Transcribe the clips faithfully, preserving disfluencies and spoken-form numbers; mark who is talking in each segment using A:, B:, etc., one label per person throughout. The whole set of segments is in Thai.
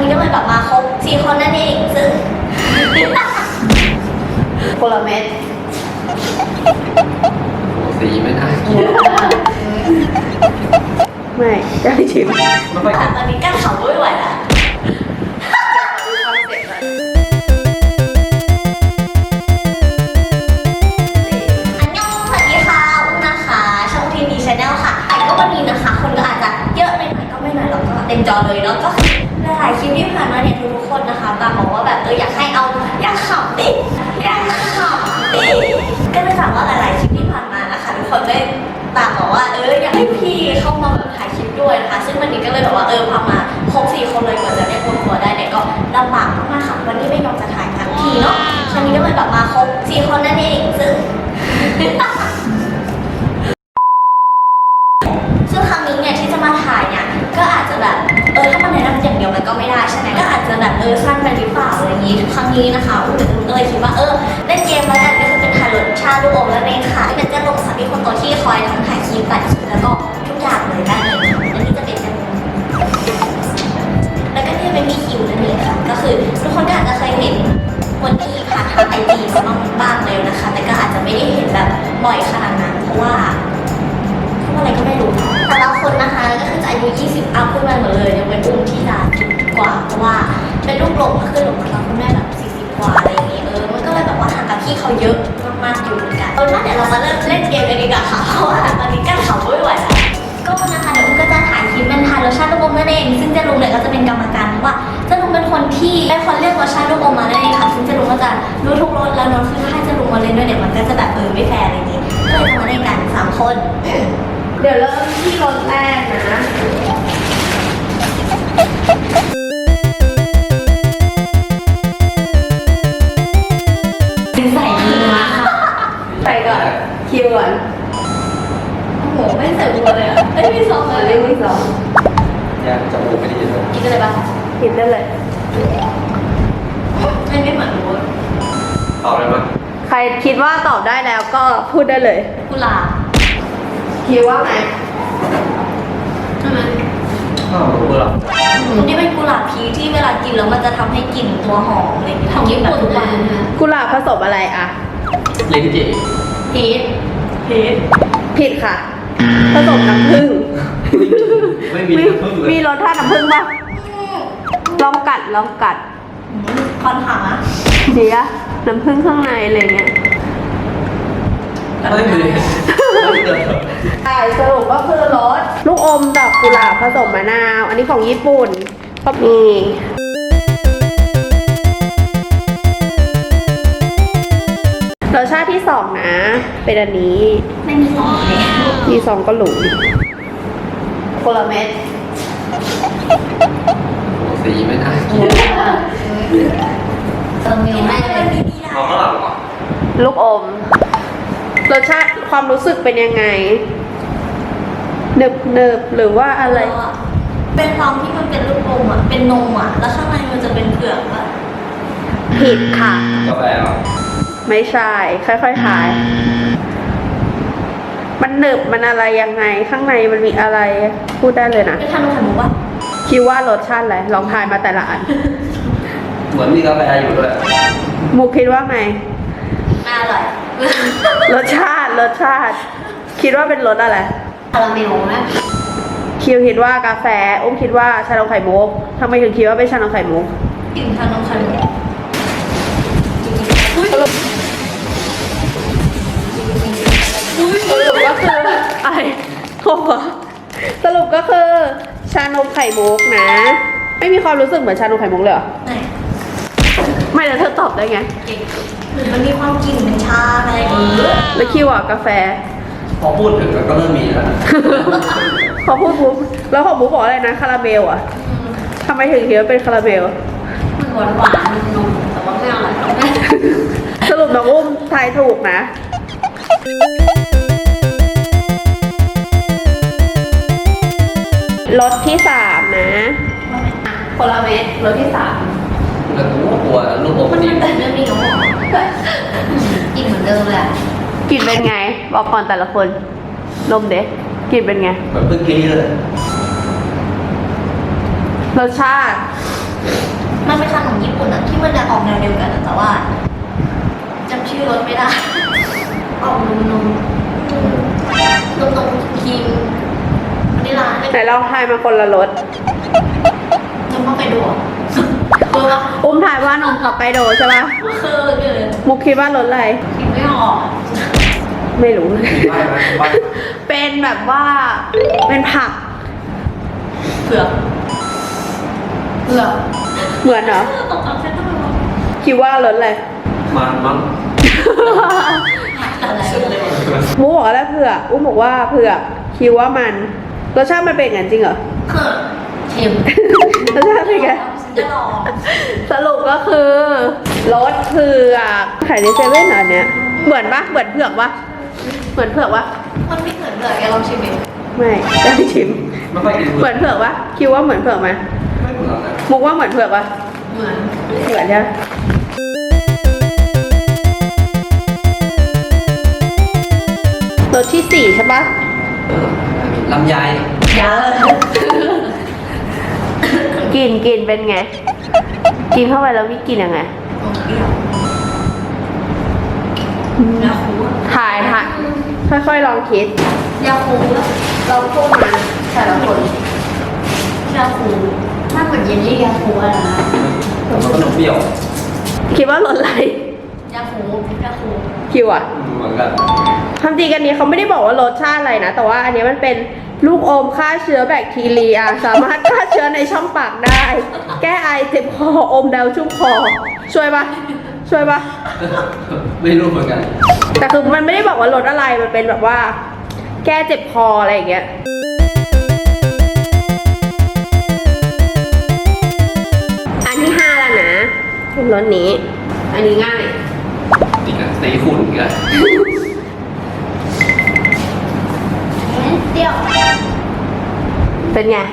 A: นี้ก็เลยแบบมาครบสี่คนนั่นเองซึ่งคนละเม็ด
B: สีไม่น่ากิน
C: ไม่ได้ชิม
B: ไม่ค่อยกิน
A: ตอนนี้กั้นเขาไม่ไหวแล้วอันยองสวัสดีค่ะอุ้มนะคะช่องทีวีชาแนลค่ะแต่ก็วันนี้นะคะคนก็อาจจะเยอะไปหน่อยก็ไม่หน่อยเราก็เต็มจอเลยเนาะก็คือหลายๆคลิปที่ผ่านมาเนี่ยทุกๆคนนะคะต่างบอกว่าแบบเอออยากให้เอาอยากขับดิอยากขับดิก็เลยถามว่าหลายๆคลิปที่ผ่านมานะคะทุกคนได้ต่างบอกว่าเอออยากให้พี่เข้ามาแบบถ่ายคลิปด้วยนะคะซึ่งวันนี้ก็เลยแบบว่าเออพามาครบสี่คนเลยกว่าจะได้รวมตัวได้เนี่ยก็ลำบากมากๆค่ะวันนี้ไม่ยอมจะถ่ายทั้งทีเนาะครั้งนี้ก็เลยแบบมาครบสี่คนนั่นเองซึ่ง ซึ่งครั้งนี้เนี่ยที่จะมาถ่ายเนี่ยก็อาจจะแบบเออถ้ามันแนะนำอย่างเดียวมันก็ไม่ได้ใช่ไหมก็อาจจะแบบเออสั้นไปหรือเปล่าอะไรอย่างนี้ครั้งนี้นะคะอุ้มก็เลยคิดว่าเออเล่นเกมแล้วกันก็คือเป็นถ่ายรสชาติลูกอมแล้วเองค่ะที่เป็นเจ้าลงสัตว์ที่คนตัวที่คอยทั้งถ่ายคลิปตัดคลิปแล้วก็ทุกอย่างเลยได้เลยค่ะและนี่จะเป็นกันแล้วก็นี่เป็นมีคิวนั่นเองค่ะก็คือทุกคนก็อาจจะเคยเห็นคนที่ผ่านทางไอจีมาบ้างเลยนะคะแต่ก็อาจจะไม่ได้เห็นแบบบ่อยขนาดนั้นเพราะว่าอะไรก็ไม่รู้แต่ละคนนะคะก็คือจะอายุยี่สิบอัพขึ้นมาหมดเลยยังเป็นอุ้มที่จะกว่าเพราะว่าเป็นลูกหลงก็คือหลงมาแล้วคุณแม่แบบสี่สิบกว่าอะไรอย่างนี้เออมันก็เลยแบบว่าห่างกับพี่เขาเยอะมากๆอยู่เหมือนกันเอาล่ะเดี๋ยวเรามาเริ่มเล่นเกมกันดีกว่าค่ะเพราะว่าตอนนี้กั้นเขาไม่ไหวแล้วก็นะคะเดี๋ยวอุ้มก็จะถ่ายคลิปเป็นทายรสชาติลูกอมนั่นเองซึ่งเจะลุงเนี่ยก็จะเป็นกรรมการเพราะว่าเจะลุงเป็นคนที่เป็นคนเลือกรสชาติลูกอมมานั่นเองค่ะซึ่งเจะลุงก็จะรู้ทุกรสแล้วเนาะคือถ้าให้เจะลุงมาเล่นด้วยเนี่ยมันก็จะแบบเออไม่แฟร์อะไรอย่างนี้ก็เลยจะมาเล่นกันสามคน
C: เดี๋ยวเริ่มที่รสแรกนะ
A: ใส่เนื้อค่ะ
C: ใส่ก่อนคิวก่อน
A: โอ้โหไม่ใส่บัวเลยอ่ะไม่มีซองเลย
C: ไม่มีซอง
B: ยังจมูกไม่ได้ยินเลย
A: กินได้เลยปะ
C: กินได้เลย
A: ไม่ไม่เหมือนบัว
B: ตอบได้ไหม
C: ใครคิดว่าตอบได้แล้วก็พูดได้เลย
A: กุหลาบ
C: คิดว่าไง
A: ใช่ไหม
B: อ้าวรู้เหรอ
A: อันนี้เป็นกุหลาบพีที่เวลากินแล้วมันจะทำให้กลิ่นตัวหอมอะไรอย่างเงี้ยของญี่ปุ่นเลย
C: กุหลาบผสมอะไรอะ
B: ลิ้นจี่
A: พีชพีช
C: ผิดค่ะ ผสมน้ำผึ้ง
B: ไม่มีน้ำผึ้งเลย
C: มีรสชาติน้ำผึ้งป่ะลองกัดลองกัด
A: คอนหา
C: เดี๋ยวน้ำผึ้งข้างในอะไรเงี้ย
B: ไม่มี
C: ใช่สรุปก็คือรสลูกอมดอกกุหลาบผสมมะนาว อันนี้ของญี่ปุ่นก็มีรสชาติที่สองนะ เป็นอันนี้
A: ไม่มีซองเลย
C: มีซองก็หลุมคนละเม็ด
B: สีไม่น่ากิน
A: เติมมิลไม่เลย
B: เอาข้างหลังเหรอ
C: ลูกอมรสชาติความรู้สึกเป็นยังไงเนิบเนิบหรือว่าอะไร
A: เป็นซองที่มันเป็นลูกอมอ่ะเป็นนมอ่ะแล้วข้างในมันจะเป็นเผือกอ่ะ
C: ผิดค่ะ
B: กาแฟเหรอ
C: ไม่ใช่ ค่อยๆทาย มันหนึบมันอะไรยังไง ข้างในมันมีอะไรพูดได้เลยนะ
A: เป็นทานมไข่มุกปะ
C: คิดว่ารสชาติอะไรลองทายมาแต่ละอัน
B: เหมือนมีกาแฟอยู่ด้วย
C: มุกคิดว่าไง
A: น่าอร่อย
C: รสชาติรสชาติ คิดว่าเป็นรสอะไร
A: คาราเมลนะ
C: คิวคิดว่ากาแฟอุ้มคิดว่าชานมไข่มุกทำไมถึงคิดว่าเป็นชานมไข่มุก
A: กลิ่นทานมไข่มุก
C: สรุปสรุปก็คืออะไรโอ้โหสรุปก็คือชานมไข่มุกนะ ไม่มีความรู้สึกเหมือนชานมไข่มุกเลยเหรอ
A: ไหน
C: ไม่แล้วเธอตอบได้ไง
A: เก่งหรือมันมีความกลิ่นเป็นชาอะไรอย่างงี้
C: แล้วคิวอ่ะกาแฟ
B: พอพูดถึงก็เริ่มมีแล้ว
C: พอพูดปุ๊บแล้วของบุ๊กบอกอะไรนะคาราเมลอ่ะทำไมถึงคิดว่าเป็นคาราเมล
A: มันหวานหวานนมแต่ว่าไม่อร่อย
C: สรุปน้องอุ้มทายถูกนะรสที่สามนะคนละเม็ดรสที่สาม
B: แล้วกูกลัวลูกอม
A: มัน
B: ดี
A: เป็นแบบเรื่องนี้กับหมอกินเหมือนเดิมเลยอ่ะ
C: กลิ่นเป็นไง บอกก่อนแต่ละคนนมเด็กกลิ่นเป็นไง
B: เหมือนเพิ่งกี้เลย
C: รสชาติ
A: อรสไม่ได้ออกนมนมนมนมครีมวานิลลา
C: ไหนลองทายมาคนละรส
A: นมเข้าไปดูคือว่า
C: อุ้มทายว่านมฮอกไกโดใช่ปะ
A: คือเกิน
C: มุกคิดว่ารสอะไร
A: คิดไม่ออก
C: ไม่รู้
B: ใช่ไหมใช่
C: เป็นแบบว่าเป็นผัก
A: เผือกเผือก
C: เหมือนเหรอ
A: ตกเอาแค่ต้องรู้
C: คิดว่ารสอะไร
B: มันมั้ง
A: อะไรเลย
C: มุกบอกว่าแล้วเผือกอุ้มบอกว่าเผือกคิดว่ามันรสชาติมันเป็นอย่างนั้นจริงเหรอ
A: คือเค็ม
C: รสชาติเป็นไง
A: จะลอง
C: สรุปก็คือรสเผือกขายในเซเว่นเหรออันเนี้ยเหมือนปะเหมือนเผือกปะเหมือนเผือกปะ
A: มันไม่เหมือนเผือกแกลองชิมดิ
C: ไม่จะไปชิม
B: ไม่ค่อยกิน
C: เหมือนเผือกปะคิดว่าเหมือนเผือกไหม
B: ไม่เหมือนนะ
C: มุกว่าเหมือนเผือกปะ
A: เหมือน
C: เหมือนใช่ไหมรสที่สี่ใช่ปะ
B: เออลำไย
A: ยา
C: กินกินเป็นไง กินเข้าไปแล้วมีกลินยังไง
A: เปรี้ยว ยาคู
C: ถ่ายถ่ายค่อยๆลองคิด
A: ยาคูแล้ว
C: เราพูดมาแต่ละคน
A: ยาคูถ้าเหมือนเยลลี่ยาคูอะนะ
B: แต่มันก็นมเปรี้ยว
C: คิดว่ารสอะไร
A: ยาคูยาคู
C: คิวอะ
B: เหมือนกัน
C: ความจริงอันนี้เขาไม่ได้บอกว่ารสชาติอะไรนะ แต่ว่าอันนี้มันเป็นลูกอมฆ่าเชื้อแบคทีเรีย สามารถฆ่าเชื้อในช่องปากได้ แก้ไอเจ็บคออมแล้วชุ่มคอ ช่วยปะช่วยปะ
B: ไม่รู้เหมือนกัน
C: แต่คือมันไม่ได้บอกว่ารสอะไร มันเป็นแบบว่า แก้เจ็บคออะไรอย่างเงี้ย อันที่ห้าแล้วนะรสนี้ อันนี้ง่าย
B: อีกอ่ะสีขุ่นอีกอ่ะ
A: เปรี้ยว
C: เป็นไง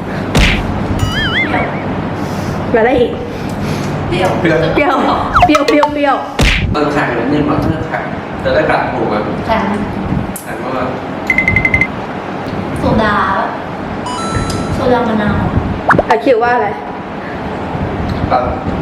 C: แล้วอะไรอีก
A: เปรี้ยว
B: เปรี้ยว
C: เปรี้ยวเปรี้ยวเปรี้ยวเปรี้ยว
B: มันแข็งนิดนึงมันแข็งจะได้กัดถูกไหม
A: แข็ง
B: แข็งมาก
A: โซดาโซดามะนาว
C: อะคิดว่าอะไร
B: แบบ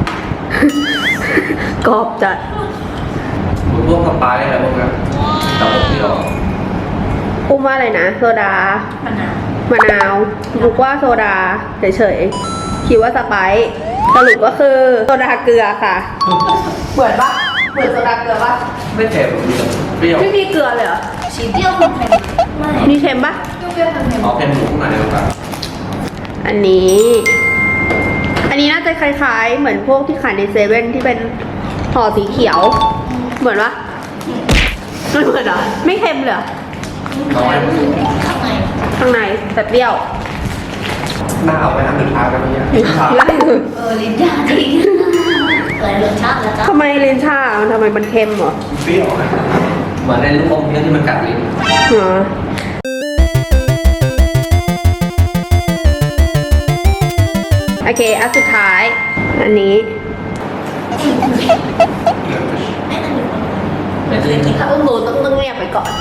C: กรอบจัด
B: พวกสไปซ์อะไรพวกนี้แต่พวกที่เรา
C: อุ้มว่าอะไรนะโซดาม
A: ะนาว
C: มะนาวบุกว่าโซดาเฉยๆคิดว่าสไปซ์สรุปก็คือโซดาเกลือค่ะ เหมือนปะเหมือนโซดาเกลือปะ
B: ไม่เผ็ดมีแต่เปรี้ยว
C: ไม่มีเกลือเลยเหรอ
A: สีเปรี้ยวเค็มๆไม่
C: มีเค็มปะ
A: เปรี้ยวๆเค็ม
B: อ๋อเค็มอยู่ข้างในหรือเปล่า
C: อันนี้ อันนี้น่าจะคล้ายๆ เหมือนพวกที่ขายในเซเว่นที่เป็นห่อสีเขียว เหมือนปะไม่เหมือนเหรอไม่เค็มเลยเหรอ
B: น้อย
A: ๆข้างใน
C: ข้างในแต่เปรี้ยว
B: หน้าเอาไปน้ำหนึ่งทางกันไหมเนี่ย
C: ไล่เลย
A: เออลิ้นยาจริงเลยรสชาติแล้วจ้ะ
C: ทำไมเลนชาทำไมมันเค็มเหรอ
B: เปรี้ยวนะเหมือนในลูกอมเนี้ยที่มันกัดลิ้น
C: อ๋อโอเค อันสุดท้าย อันนี้
A: ไม่เคยกินแล้ว
C: ต้องรู้ต้องต้องเงียบไปก่อน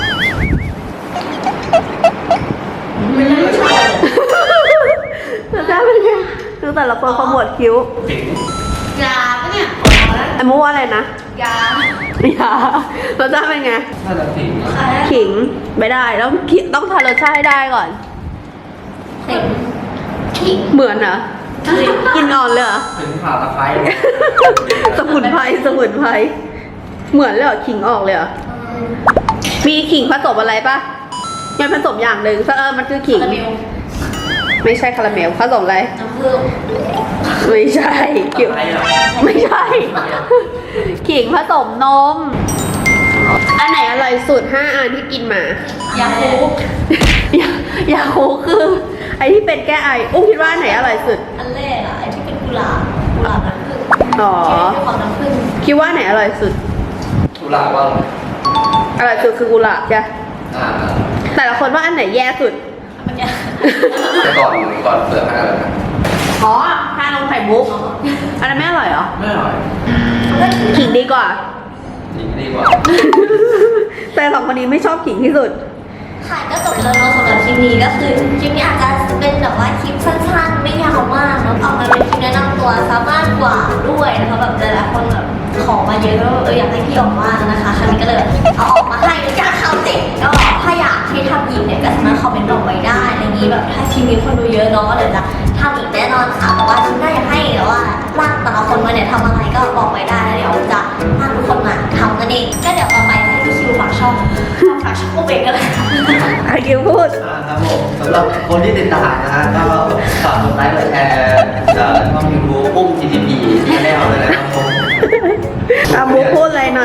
A: ไม่ได้รสชาติเลย
C: รสชาติเป็นไงดูแต่ละคนขมวดคิ้ว
B: ผิง
A: ยาปะเนี่ยขอแล้ว
C: ไอ้มูว่าอะไรนะ
A: ยา
C: อย่ารสชาติเป็นไง
B: น่าจะผิงนะ
A: อะไร
C: ขิงไม่ได้ต้องขิต้องทานรสชาติให้ได้ก่อน
A: เค็มขิง
C: เหมือนเหรอกินอ่อนเลยเหรอ
B: ถึงข่าวตะไคร้
C: สมุนไพรสมุนไพรเหมือนเลยเหรอขิงออกเลยเหรอมีขิงผสมอะไรปะมันผสมอย่างหนึ่งเออมันคือขิง
A: คาราเมล
C: ไม่ใช่คาราเมลผสมอะไร
A: น้ำผึ้ง
C: ไม่ใช่ขิง
B: ตะไคร้เหรอ
C: ไม่ใช่ ขิงผสมนม อันไหนอร่อยสุดห้าอันที่กินมาย
A: าคู
C: ยายาคูคือ ไอที่เป็นแก้ไออุ้มคิดว่าอันไหนอร่อยสุด
A: อันแรกอะไอที่เป็นกุหลาบกุหลาบน้ำผึ้ง
C: อ๋อ
A: ที่เป็นความน้ำผึ้ง
C: คิดว่าอันไหนอร่อยสุด
B: ตุลาว่า
C: อร่อยสุดคือกุหลาบจ้ะ
B: อ่า
C: แต่ละคนว่าอันไหนแย่สุด
A: มันจะ
B: แต่ก่อนก่อนเปลือกอะไรนะ
C: อ๋อทานลงไข่มุก อันนั้นไม่อร่อยเหรอ
B: ไม่อร่อย
C: ขิงดีกว่า
B: นี่ดีกว่า
C: แต่สองคนนี้ไม่ชอบขิงที่สุด
A: ค่ะก็จบแล้วเนาะสำหรับคลิปนี้ก็คือคลิปนี้อาจจะเป็นแบบว่าคลิปสั้นๆไม่ยาวมากเนาะออกมาเป็นคลิปแนะนำตัวสามารถกว่าด้วยนะคะแบบหลายๆคนแบบขอมาเยอะแล้วเอออยากให้พี่ออกมานะคะครั้งนี้ก็เลยเอาออกมาให้เป็นการเข้าเจ็ดก็ถ้าอยากให้ทำอีกเนี่ยก็สามารถคอมเมนต์บอกไว้ได้อะไรอย่างนี้แบบถ้าคลิปนี้คนดูเยอะเนาะก็เดี๋ยวจะทำอีกแน่นอนค่ะแต่ว่าคลิปหน้าอยากให้แต่ว่าลากแต่ละคนมาเนี่ยทำอะไรก็บอกไว้ได้แล้วเดี๋ยวจะลากทุกคนมาทำกันเองก็เดี๋ยวต่อไปให้พี่คิวฝากช่องฝากช่องโอเบกกันเลย
C: อากิวพูด
B: อ่าครับผมสำหรับคนที่ติดตามนะฮะก็ฝากกดไลค์กดแชร์เอ่อช่องยูทูบปุ้ม จี ที พี แนลเลยนะครับผม
C: อามูพูดอะไรหน่อย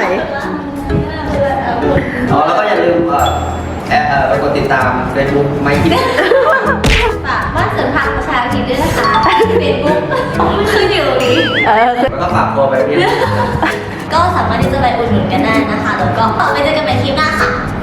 B: อ๋อแล้วก็อย่าลืมเอ่อแอร์เอ่อไปกดติดตาม Facebook ไม่คิด
A: ฝากบ้านเสริมผักประชาธิปไตยด้วยนะคะเฟซบุ๊กคืออยู่ตรงนี้
C: เออ
B: แล้วก็ฝากตัวไปเรียน
A: ก็สามารถที่จะไปอุดหนุนกันได้นะคะ แล้วก็ไปเจอกันใหม่คลิปหน้าค่ะ